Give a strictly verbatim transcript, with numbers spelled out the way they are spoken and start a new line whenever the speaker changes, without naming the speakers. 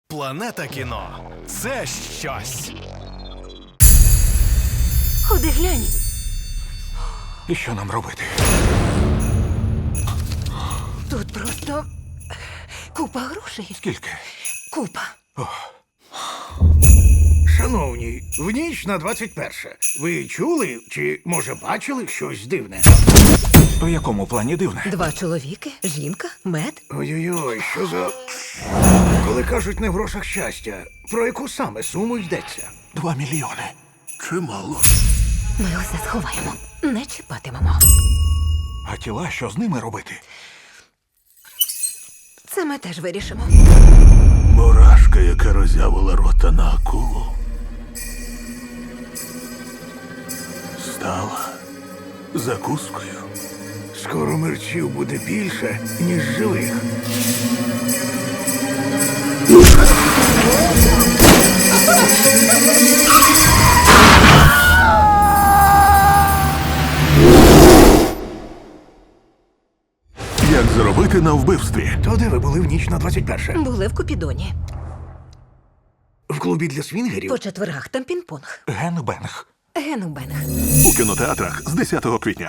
Планета кіно – це щось.
Ходи глянь.
І що нам робити?
Тут просто купа грошей.
Скільки?
Купа.
Шановні, в ніч на двадцять перше. Ви чули чи, може, бачили щось дивне?
У якому плані дивне?
Два чоловіки, жінка, мед.
Ой-ой-ой, що за... Коли кажуть не в грошах щастя, про яку саме суму йдеться?
Два мільйони.
Чимало.
Ми усе сховаємо. Не чіпатимемо.
А тіла, що з ними робити?
Це ми теж вирішимо.
Мурашка, яка роззявила рота на акулу, стала закускою.
Скоро мерчів буде більше, ніж живих.
Як заробити на вбивстві?
То де ви були в ніч на двадцять перше?
Були в Купідоні.
В клубі для свінгерів?
По четвергах там пінг-понг.
Генбенг.
Генубенг.
У кінотеатрах з десятого квітня.